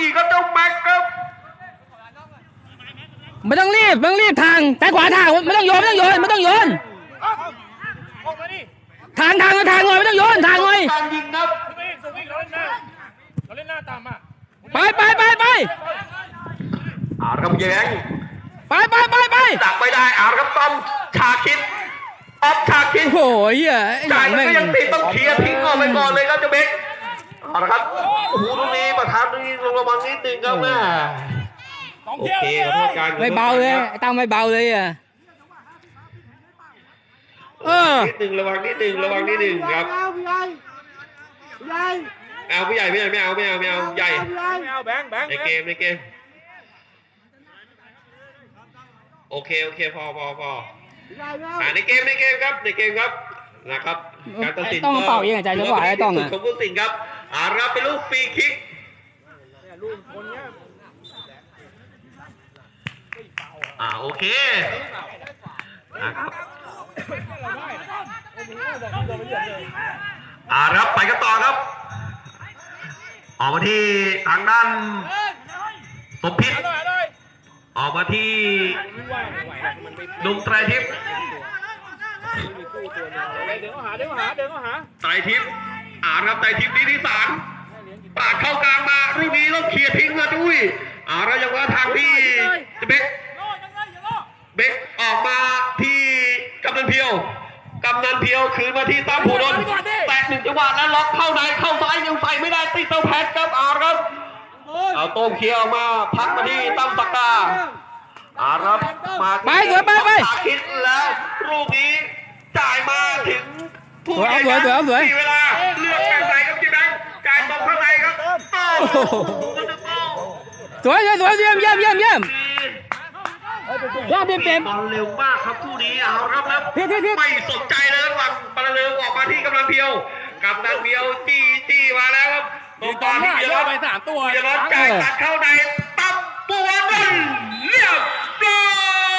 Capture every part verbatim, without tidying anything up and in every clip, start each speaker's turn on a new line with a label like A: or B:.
A: อีกครับเจ้าแม็กครับ
B: ไม่ต้องรีบไม่ต้องรีบทางแต่ขวาทางไม่ต้องโยนไม่ต้องโยนไม่ต้องโยนทางทางทางหน่อยไม่ต้องโยนทางหน่อย
A: การยิงครับ
C: เราเล่นหน้าต่ำอ่ะ
B: ไปไปไปไป
A: อาร์ครับแย้ง
B: ไปไปไปไป
A: ดักไม่ได้อาร์ครับต้อมชาคิดออฟชาคิด
B: โอ้ยอ่ะ
A: จ่ายก็ยังติดต้องเคลียร์ทิ้งออกไปก่อนเลยครับเจ้าเบคเอาละครับโอ้โหตรงนี้ประธานตรงนี้ลงระวังนิดนึงครับแม่โอเคครับการ
B: ไม่เบาเลยตั้งไม่เบาเลยอ่ะเออ
A: นิดนึงระวังนิดนึงระวังนิดนึงครับเอาผู้ใหญ่ไม่เอาไม่เอาไม่เอาไม่เอาใหญ่
C: ไม่เอาแบงค์แบงค์
A: ในเกมในเกมโอเคโอเคพอพอพออ่าในเกมในเกมครับในเกมครับนะครับการตัดสิน
B: ต้องเป่ายังไงใจจังหวะไอ้ต้องอ่ะ
A: ของผู้ตัดสินครับอ่ารับเป็นลูกฟรีคิกอ่าโอเคนะครับอ่ารับไปกันต่อครับออกมาที่ทางด้านสมพิษออกมาที่ดุมไตรทิพย์
C: เดินเข้าหาเดินเข้าหาเดินเข้าหา
A: ไตรทิพย์อ่ารับไตรทิพย์นี้ที่สามปาดเข้ากลางมาลูกนี้ต้องเคลียร์ทิ้งเลยจุ้ยอ่าเรายังว่าทางที่เบคเบคออกมาที่กำนันเพียวกำนันเพียวคืนมาที่ตั้มผูดนแตะหนึ่งจังหวะแล้วล็อกเข้าในเข้าซ้ายยังใส่ไม่ได้ติดเตาแพทครับอ่าครับเอาโต้มเคลียร์ออกมาพักมาที่ตั้มสักดาอารับมา
B: ไปเสือไปไป
A: คิดแล้วลูกนี้จ่ายมาถึงผู้ใหญ่มีเวลาเลือกแข่งใส่ครับจีแบงจ่ายตรงข้างในครับ
B: สวยสวยเยี่ยมเยี่ยมเยี่ยมเยี่ยมยอดเต็มเต็ม
A: บอลเร็วมากครับคู่นี้เอาครับแล้วไม่สนใจเลยหลังปลาเร็วออกมาที่กำลังเพียวกำลังเพียวจี้จี้มาแล้วครับตรงตอนที่จะรับ
C: ไปสามตัว
A: จะรับจ่ายตัดเข้าในตับปัวบอลเรียบร้อย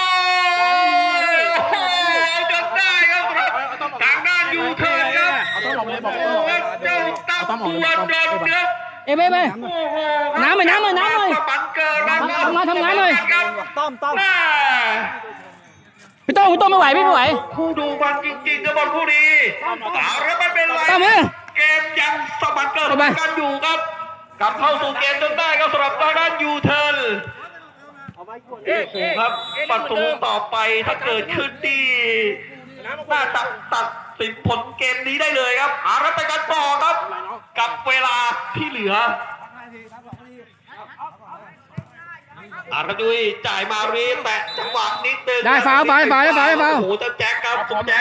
A: จนได้ครับทางด้านยูเทิร์นครับเจ้าตับปัวบอลครับ
B: เอ้ยไปไปน้ำเลยน้ำเลยน้ำเลยทำงานทำงานเลย
C: ต้อมต้อม
B: พี่โต้พี่โต้ไม่ไหวไม่ไหว
A: คู่ดูมันจริงๆกับบอลคู่นี้เอาแล้วมันเป็นไรเกมยังสมานเกิดกันอยู่ครับกลับเข้าสู่เกมจนได้ครับสำหรับทางด้านยูเทิร์นครับประตูต่อไปถ้าเกิดขึ้นดีน่าจะตัดสินผลเกมนี้ได้เลยครับเอาแล้วไปกันต่อครับกับเวลาที่เหลืออาร์ดุยจ่ายมารีแตะจังหวะนิดนึง
B: ได้ฟาวฟาวฟาวฟาวฟาว
A: โอ้โหจะแจ็คครับ